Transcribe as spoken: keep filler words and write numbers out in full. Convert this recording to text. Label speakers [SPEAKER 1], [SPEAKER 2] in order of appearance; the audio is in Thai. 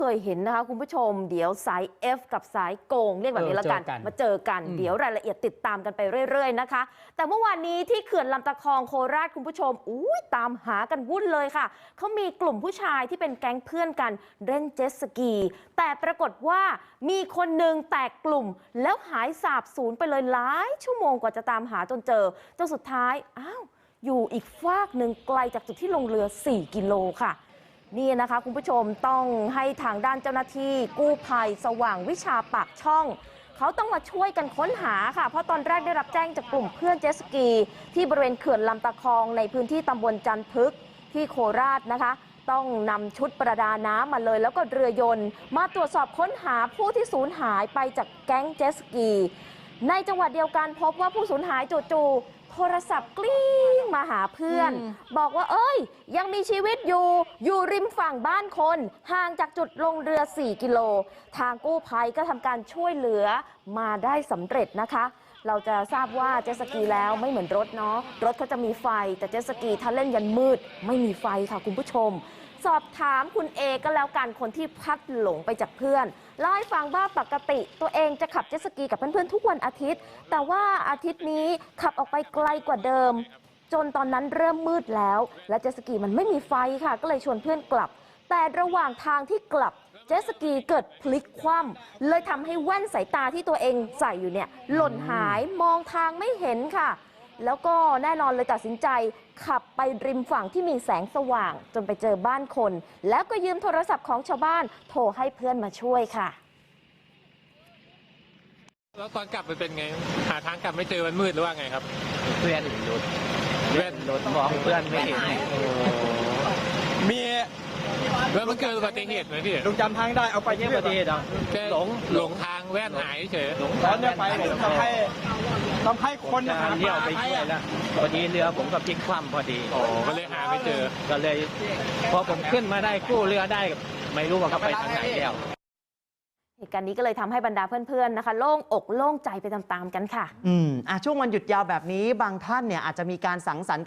[SPEAKER 1] เคยเห็นนะคะคุณผู้ชมเดี๋ยวสาย F กับสายโกงเรียกแบบนี้ละกันมาเจอกันเดี๋ยวรายละเอียดติดตามกันไปเรื่อยๆนะคะแต่เมื่อวานนี้ที่เขื่อนลำตะคองโคราชคุณผู้ชมอุ้ยตามหากันวุ่นเลยค่ะเขามีกลุ่มผู้ชายที่เป็นแก๊งเพื่อนกันเล่นเจ็ตสกีแต่ปรากฏว่ามีคนหนึ่งแตกกลุ่มแล้วหายสาบสูญไปเลยหลายชั่วโมงกว่าจะตามหาจนเจอจนสุดท้ายอ้าวอยู่อีกฟากหนึ่งไกลจากจุดที่ลงเรือสี่กิโลค่ะนี่นะคะคุณผู้ชมต้องให้ทางด้านเจ้าหน้าที่กู้ภัยสว่างวิชาปากช่องเขาต้องมาช่วยกันค้นหาค่ะเพราะตอนแรกได้รับแจ้งจากกลุ่มเพื่อนเจ็ตสกีที่บริเวณเขื่อนลำตะคองในพื้นที่ตำบลจันทึกที่โคราชนะคะต้องนำชุดประดาน้ำมาเลยแล้วก็เรือยนต์มาตรวจสอบค้นหาผู้ที่สูญหายไปจากแก๊งเจ็ตสกีในจังหวัดเดียวกันพบว่าผู้สูญหายจู่ๆโทรศัพท์กลิ้งมาหาเพื่อนบอกว่าเอ้ยยังมีชีวิตอยู่อยู่ริมฝั่งบ้านคนห่างจากจุดลงเรือสี่กิโลทางกู้ภัยก็ทำการช่วยเหลือมาได้สำเร็จนะคะเราจะทราบว่าเจ็ตสกีแล้วไม่เหมือนรถเนาะรถเขาจะมีไฟแต่เจ็ตสกีถ้าเล่นยันมืดไม่มีไฟค่ะคุณผู้ชมสอบถามคุณเอก็แล้วกันคนที่พลัดหลงไปจากเพื่อนเล่าให้ฟังว่าปกติตัวเองจะขับเจ็ตสกีกับเพื่อนๆทุกวันอาทิตย์แต่ว่าอาทิตย์นี้ขับออกไปไกลกว่าเดิมจนตอนนั้นเริ่มมืดแล้วและเจ็ตสกีมันไม่มีไฟค่ะก็เลยชวนเพื่อนกลับแต่ระหว่างทางที่กลับเจ็ตสกีเกิดพลิกคว่ำเลยทำให้แว่นสายตาที่ตัวเองใส่อยู่เนี่ยหล่นหายมองทางไม่เห็นค่ะแล้วก็แน่นอนเลยตัดสินใจขับไปริมฝั่งที่มีแสงสว่างจนไปเจอบ้านคนแล้วก็ยืมโทรศัพท์ของชาวบ้านโทรให้เพื่อนมาช่วยค่ะ
[SPEAKER 2] แล้วตอนกลับมันเป็นไงหาทางกลับไม่เจอมันมืดหรือว่าไงครับ
[SPEAKER 3] เพื่อนหลุด
[SPEAKER 2] เพื่อน
[SPEAKER 3] หลุดมองเพื่อนไม่เห็น
[SPEAKER 2] มีแล้วมันเกิดอุบัติเหตุไหมพี่
[SPEAKER 4] ลุงจำทางได้เอาไป
[SPEAKER 3] เยี่ยมประเทศอ่ะ
[SPEAKER 2] หลงหลงทางแว่นหายเฉย
[SPEAKER 4] ตอนนี้ไปทำให้ทำให้คน
[SPEAKER 3] หาเที่ยวไปช่วยแล้วพอดีเรือผมก็พลิกคว่ำพอดี
[SPEAKER 2] โอ้ก็เลยหาไม่เจอ
[SPEAKER 3] ก็เลยพอผมขึ้นมาได้กู้เรือได้ไม่รู้ว่าเขาไปทางไหนแล้ว
[SPEAKER 1] เหตุการณ์นี้ก็เลยทำให้บรรดาเพื่อนๆนะคะโล่งอกโล่งใจไปตามๆกันค่ะ
[SPEAKER 5] อืมอ่ะช่วงวันหยุดยาวแบบนี้บางท่านเนี่ยอาจจะมีการสังสรรค์